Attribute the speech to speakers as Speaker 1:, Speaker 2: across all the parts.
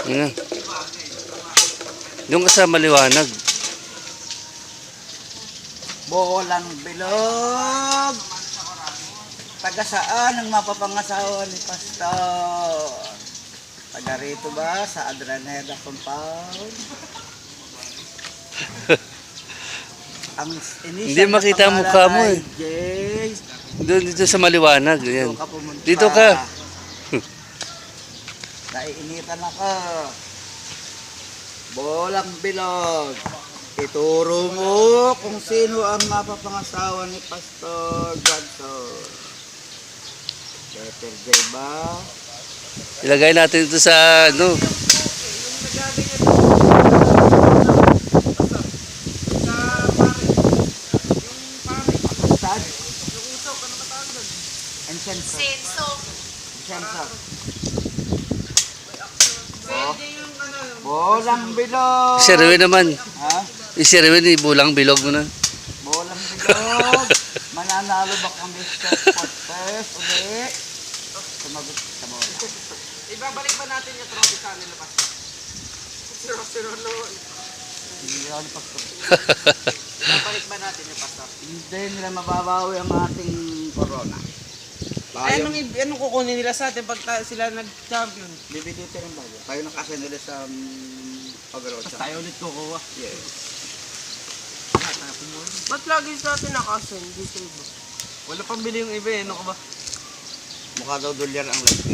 Speaker 1: Nga. Doon ka sa maliwanag.
Speaker 2: Bolang bilog. Taga saan ang mapapangasawa ni Pastor? Taga rito ba sa Adraneda Compound? Ang
Speaker 1: Hindi makita ang mukha mo eh.
Speaker 2: Jay.
Speaker 1: Doon dito sa maliwanag. Yan.
Speaker 2: Dito ka pumunta.
Speaker 1: Dito ka.
Speaker 2: Naiinitan ako. Bolang bilog. Ituro mo kung sino ang mapapangasawa ni Pastor Johnson. Peter J. ba?
Speaker 1: Ilagay natin ito sa ano.
Speaker 2: Saan? Incenso. Incenso. Oh. Bolang bilog.
Speaker 1: Si Erwin naman.
Speaker 2: Ha?
Speaker 1: Si Erwin, ibulang bilog mo na.
Speaker 2: Bolang bilog. Mananalo ba kami sa contest ulit? Sumagot sa bola.
Speaker 3: Ibabalik ba natin yung trophy sa nila pa? Siro noon.
Speaker 2: Hindi ako napagtapos.
Speaker 3: Ibabalik ba natin yung pastor?
Speaker 2: Hindi nila mababawi ang ating corona.
Speaker 3: Ay, anong kukunin nila sa atin pag sila nag-champion?
Speaker 2: Bibili tayo ng bago. Tayo nakasya nila sa pag-road.
Speaker 3: Tayo ulit kukuha.
Speaker 2: Yes.
Speaker 3: Ba't lagi sa atin nakasen? Dito ba? Wala pang bili yung iba eh, ano ka ba?
Speaker 2: Mukha daw dolyar ang lagay.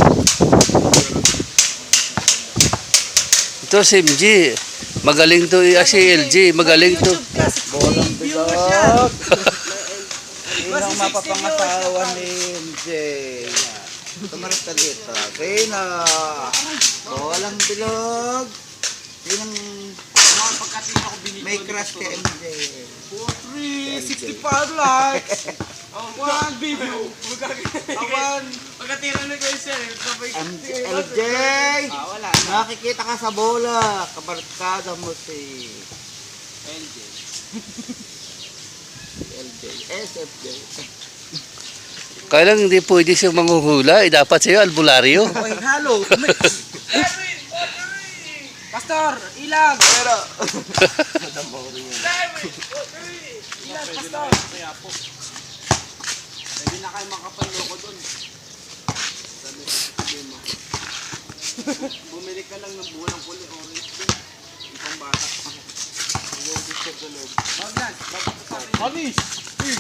Speaker 1: Ito si MG. Magaling to. Si LG. Magaling to.
Speaker 2: Bolang bilog. Sino ang mapapangasawa ni MJ? Tumaras ka dito. Sino? Bolang bilog. Sinong may crush kay MJ?
Speaker 3: 365 likes! One video! Pagkatira na kayo sir,
Speaker 2: LJ!
Speaker 3: wala.
Speaker 2: Nakikita ka sa bola. Kabarkada mo si
Speaker 3: LJ.
Speaker 2: LJ. SFJ.
Speaker 1: Kaya lang hindi pwede siyang manghuhula. Dapat sa'yo albularyo.
Speaker 2: Ay, halo.
Speaker 3: Pastor, ilag!
Speaker 2: Pero,
Speaker 3: Ilag, pastor! Hindi na kayo makapanloko dun. Sabi mo. Bumili ka lang ng bulang puli, orange din. Ipang bata. Huwag disturb sa loob. Wag yan. Anis!